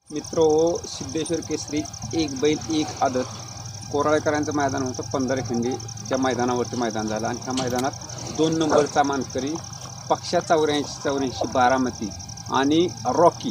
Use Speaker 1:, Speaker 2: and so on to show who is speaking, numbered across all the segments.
Speaker 1: मित्रो, सिद्धेश्वर केसरी एक बैल एक आदत कोराळेकरांचं मैदान होतं 15 खिंडीच्या मैदानावरती मैदान झालं आणि ह्या मैदानात 2 नंबरचा मानकरी पक्षा 84 बारामती आणि रॉकी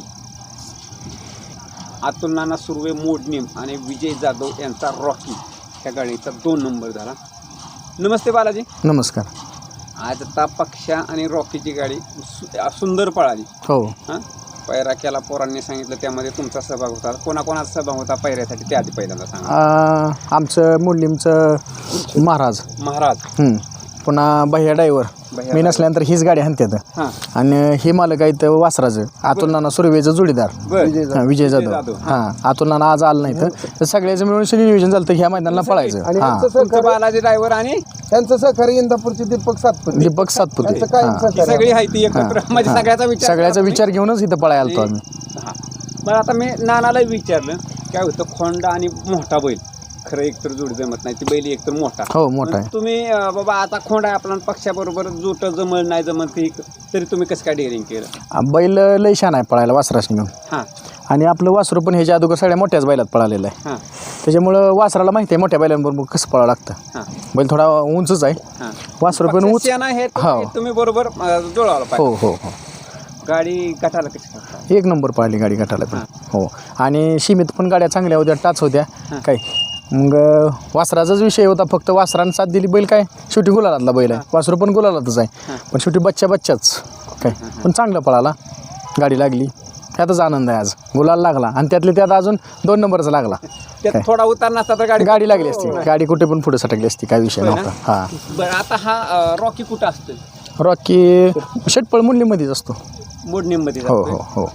Speaker 1: अतुल नाना सुर्वे मोडनीम आणि विजय जाधव यांचा रॉकी ह्या गाडीचा 2 नंबर झाला. नमस्ते बालाजी.
Speaker 2: नमस्कार.
Speaker 1: आज आता पक्षा आणि रॉकीची गाडी सुंदर पळाली.
Speaker 2: हो.
Speaker 1: हां, पैरा केला पोरांनी सांगितलं, त्यामध्ये तुमचा सहभाग होता. कोणाकोणाचा सहभाग होता पैऱ्यासाठी ते आधी पहिल्यांदा सांगा.
Speaker 2: आमचं मुलींचं महाराज पुन्हा भैया ड्रायव्हर मी नसल्यानंतर हीच गाडी हाणतात.
Speaker 1: हां,
Speaker 2: आणि हे मालक आहेत वासराचं अतुल नाना सुर्वेचं जोडीदार विजय जाधव. हां, अतुल नाना आज आलं नाही तर सगळ्याचं मिळून नियोजन झालं तर ह्या मैदानाला पळायचं.
Speaker 1: तुमचं बालाजी ड्रायव्हर आणि
Speaker 3: त्यांचं सहकारी इंदापूरचे दीपक सातपुते
Speaker 1: सगळी आहे ती एकत्र म्हणजे
Speaker 2: सगळ्याचा विचार घेऊनच इथं पळायला आलतो आम्ही.
Speaker 1: हां, बरं आता मी नानाला विचारलं काय होतं खोंडा आणि मोठा बैल खरं एकतर जोडी जमत नाही, ती बैल एकतर मोठा.
Speaker 2: हो, मोठा आहे.
Speaker 1: तुम्ही बाबा आता खोंडा आहे आपला पक्षाबरोबर जोट जमल नाही जमत तरी तुम्ही कसं काय डेअरिंग केलं?
Speaker 2: बैल लय छान आहे पळायला वासराशी घेऊन.
Speaker 1: हां,
Speaker 2: आणि आपलं वासरू पण ह्याच्या अगोदर सगळ्या मोठ्याच बैलात पळालेलं आहे.
Speaker 1: हां,
Speaker 2: त्याच्यामुळं वासराला माहिती आहे मोठ्या बैलांबरोबर कसं पळावं लागतं.
Speaker 1: हां,
Speaker 2: बैल थोडा उंचच आहे.
Speaker 1: हां,
Speaker 2: वासरू पण उंच.
Speaker 1: हो, तुम्ही बरोबर जुळवलं
Speaker 2: हो
Speaker 1: पाहिजे.
Speaker 2: हो हो.
Speaker 1: गाडी गटाला कशी करता?
Speaker 2: 1 नंबर पळाली गाडी गटाला पण. हो. आणि सीमित पण गाड्या चांगल्या होत्या, टाच होत्या काय. मग वासराचाच विषय होता, फक्त वासरानं साथ दिली. बैल काय शेवटी गुलालातला बैल आहे, वासरू पण गुलालातच आहे, पण शेवटी बच्चाच काय. पण चांगलं पळाला, गाडी लागली, त्यातच आनंद आहे. आज गुलाल लागला आणि त्यात अजून 2 नंबरचा लागला.
Speaker 1: त्यात थोडा उतार नसता तर
Speaker 2: गाडी लागली असती, गाडी कुठे पण पुढे सटकली असती, काय विषय नव्हता. हां,
Speaker 1: बरं आता हा रॉकी कुठं असतो?
Speaker 2: रॉकी षटपळ मुंडलीमध्येच असतो.
Speaker 1: मोडणीमध्ये.
Speaker 2: हो हो हो.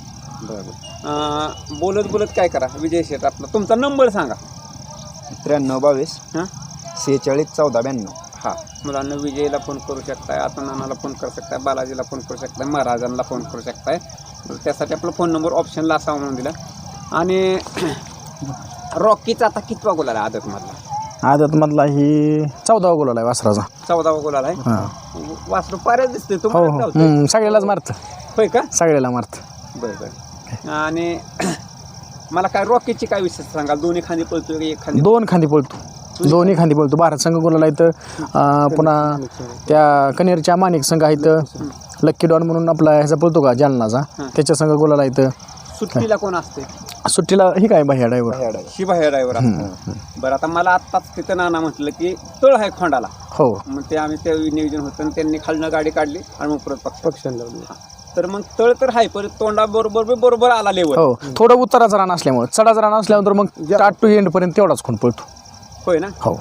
Speaker 1: बरं, बोलत काय करा विजय शेठ आपला तुमचा नंबर सांगा.
Speaker 3: 93
Speaker 1: हां
Speaker 3: 46 14 92.
Speaker 1: हां, मुलांना विजयला फोन करू शकताय, आता नानाला फोन करू शकताय, बालाजीला फोन करू शकताय, महाराजांना फोन करू शकताय. तर त्यासाठी आपला फोन नंबर ऑप्शनला असावा म्हणून दिला. आणि रॉकीचा आता कितवा गोल आला आदतमधला?
Speaker 2: आदतमधला ही 14वा गोल आहे वासराचा.
Speaker 1: 14वा गोल आला आहे.
Speaker 2: हां.
Speaker 1: वासरू पाऱ्याच दिसते
Speaker 2: हो हो. सगळ्यालाच मारतं.
Speaker 1: होय का?
Speaker 2: सगळ्याला मारतं.
Speaker 1: बरं. आणि मला काय रॉकीची काय विशेष सांगाल? दोन्ही खांदी पळतो एक खांदी?
Speaker 2: 2 खांदी पळतो, दोन्ही खांदी पळतो. भारत संघ गोलाला इथं. पुन्हा त्या कनेरच्या माणिक संघ आहेत, लक्की डॉन म्हणून आपला ह्याचा पळतो का जालनाचा, त्याच्या संघ गोलाला इथं.
Speaker 1: सुट्टीला कोण असते?
Speaker 2: सुट्टीला ही काय भैया ड्रायव्हर.
Speaker 1: शिवाय ड्रायव्हर असतो. बरं, आता मला आत्ताच तिथं नाना म्हटलं की तळ आहे खोंडाला.
Speaker 2: हो.
Speaker 1: मग ते आम्ही ते नियोजन होतं आणि त्यांनी खालनं गाडी काढली आणि मग परत
Speaker 3: पक्षाला लावली.
Speaker 1: तर मग तळ तर आहे, परत तोंडा बरोबर आला लेवल.
Speaker 2: हो, थोडं उताराचा रान असल्यामुळे, चढाचा रान असल्यानंतर मग स्टार्ट टू एंड पर्यंत तेवढाच खून पळतो.
Speaker 1: होय ना?
Speaker 2: हो.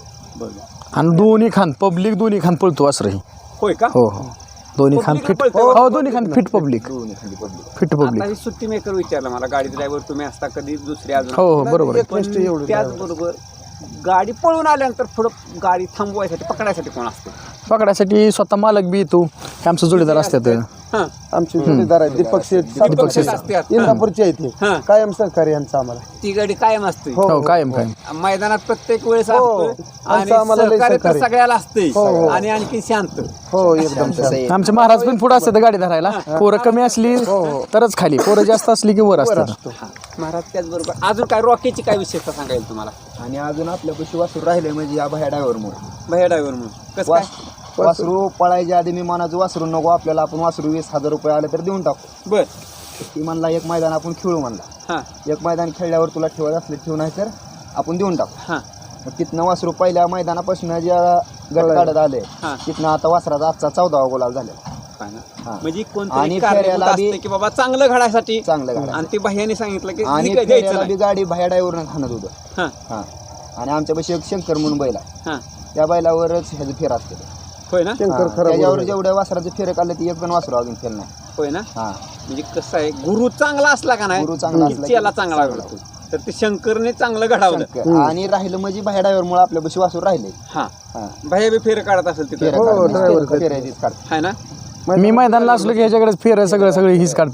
Speaker 1: बरं.
Speaker 2: आणि दोन्ही खान पब्लिक दोन्ही खान पळतो असंही.
Speaker 1: होय का?
Speaker 2: हो हो. दोन्ही खान फिट. हो, दोन्ही Khan fit public. Fit public.
Speaker 1: आता सुट्टी मेकर विचारलं मला, गाडी ड्रायव्हर तुम्ही असता कधी दुसरी अजून?
Speaker 2: हो हो, बरोबर आहे.
Speaker 1: पण त्याचबरोबर गाडी पळून आल्यानंतर पुढं गाडी थांबवायसाठी पकडायसाठी कोण असते?
Speaker 2: पकडायसाठी स्वतः मालक बी येतो, हे आमचं जोडीदार असतात.
Speaker 1: हां,
Speaker 3: आमचे जोडीदार आहेत दीपक शेठ इंदापूरचे आहेत,
Speaker 1: हां.
Speaker 3: कायम सहकारी यांचं आम्हाला.
Speaker 1: ती गाडी कायम असते.
Speaker 2: हो, कायम
Speaker 1: मैदानात प्रत्येक वेळेस असतो आणि
Speaker 3: आम्हाला लय
Speaker 1: सहकार्य तर
Speaker 3: सहकार्य.
Speaker 1: सगळ्याला असते
Speaker 3: हो.
Speaker 1: आणि आणखी शांत.
Speaker 3: हो, एकदम शांत.
Speaker 2: आमचे महाराज पण पुढे असतात गाडी धरायला. पोरं कमी असली तरच खाली, पोरं जास्त असली की वर असतात.
Speaker 1: महाराज त्याचबरोबर अजून काय रॉकीची काय विशेषता सांगा येईल तुम्हाला?
Speaker 3: आणि अजून आपल्यापाशी वासरू राहिले म्हणजे या भया ड्रायव्हरमुळे.
Speaker 1: भैया ड्रायव्हर म्हणून कसं काय?
Speaker 3: वासरू पळायच्या आधी मी मनाचं वासरू नको आपल्याला, आपण वासरू 20,000 रुपये आले तर देऊन टाकू.
Speaker 1: बर.
Speaker 3: ती म्हणला एक मैदान आपण खेळू म्हणला.
Speaker 1: हां
Speaker 3: एक मैदान खेळल्यावर तुला ठेवायचं असले ठेवू, नाही तर आपण देऊन टाकू.
Speaker 1: हां
Speaker 3: मग तिथनं वासरू पहिल्या मैदानापासून ज्या गट काढत आले
Speaker 1: हां.
Speaker 3: तिथनं आता वासराचा आजचा 14वा गोलाल झाला.
Speaker 1: काय ना?
Speaker 3: हां.
Speaker 1: म्हणजे
Speaker 3: आणि
Speaker 1: कोणतरी
Speaker 3: फेऱ्याला
Speaker 1: कारणीभूत
Speaker 3: बी-
Speaker 1: असते की बाबा चांगलं घडायसाठी
Speaker 3: चांगलं गाडी.
Speaker 1: आणि ते भैयाने सांगितलं की
Speaker 3: आणि
Speaker 1: द्यायचं
Speaker 3: फेऱ्याला
Speaker 1: नाही.
Speaker 3: बी गाडी भया ड्रायव्हरनं खाणत होतं.
Speaker 1: हां
Speaker 3: हां. आणि आमच्यापाशी एक शंकर म्हणून बैल आहे,
Speaker 1: हां.
Speaker 3: त्या बैलावरच ह्याचं फेर असते.
Speaker 1: होय ना?
Speaker 3: त्याच्यावर जेवढ्या वासराचं फेर काढलं ती एक पण वासरू अजून फेर नाही.
Speaker 1: होय ना?
Speaker 3: हां.
Speaker 1: म्हणजे कसं आहे, गुरु चांगला असला का नाही
Speaker 3: गुरु चांगला असला की
Speaker 1: चेला चांगला घडतो. तर ते शंकरने चांगलं घडावलं.
Speaker 3: शंकर. आणि राहिलं म्हणजे भया ड्रायव्हरमुळे आपल्यापाशी वासरू राहिले.
Speaker 1: हां,
Speaker 3: हां.
Speaker 1: भैया बी फेर काढत असेल तिथे.
Speaker 3: फेऱ्या काढतात.
Speaker 1: आहे ना?
Speaker 2: मी मैदानला असलो की ह्याच्याकडेच फेर सगळं हीच काढते.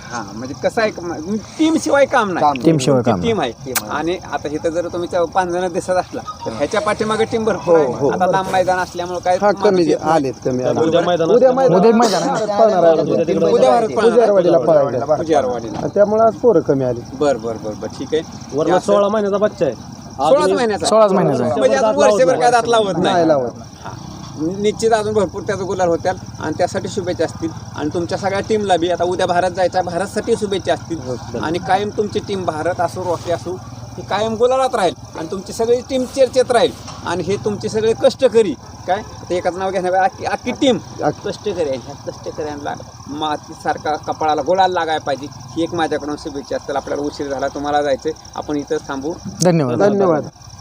Speaker 1: हा म्हणजे कसं आहे टीम शिवाय काम नाही.
Speaker 2: टीम शिवाय काम
Speaker 1: टीम आहे. आणि आता इथं जर तुम्ही 5 जण दिसत असला तर ह्याच्या पाठीमागे टीम भरपूर आहे. आता लांब मैदान असल्यामुळे काय माणूस येत नाही.
Speaker 2: उद्या मैदान आहे ना.
Speaker 1: उजियारवाडीला.
Speaker 4: त्यामुळे आज पोरं कमी आली.
Speaker 1: बर ठीक आहे.
Speaker 4: वरला 16 महिन्याचा बच्चा आहे.
Speaker 1: 16 महिन्याचा
Speaker 2: 16 महिन्याचा आहे.
Speaker 1: म्हणजे अजून वर्षभर काय दात लावत
Speaker 4: नाही
Speaker 1: नाही.
Speaker 4: लावत.
Speaker 1: हा. निश्चित अजून भरपूर त्याचं गुलाल होत्याल आणि त्यासाठी शुभेच्छा असतील. आणि तुमच्या सगळ्या टीमला बी आता उद्या भारत जायचा, भारतसाठी शुभेच्छा असतील. आणि कायम तुमची टीम भारत असो रॉकी असो ही कायम गुलालात राहील आणि तुमची सगळी टीम चर्चेत राहील. आणि हे तुमचे सगळे कष्टकरी काय ते एकाच नाव घेण्यापेक्षा अख्खी टीम कष्टकरी आहे. ह्या कष्टकऱ्यांना मातीसारखा कपाळाला गुलाल लागायला पाहिजे ही एक माझ्याकडून शुभेच्छा असतील. आपल्याला उशीर झाला, तुम्हाला जायचं, आपण इथंच थांबू.
Speaker 2: धन्यवाद.
Speaker 4: धन्यवाद.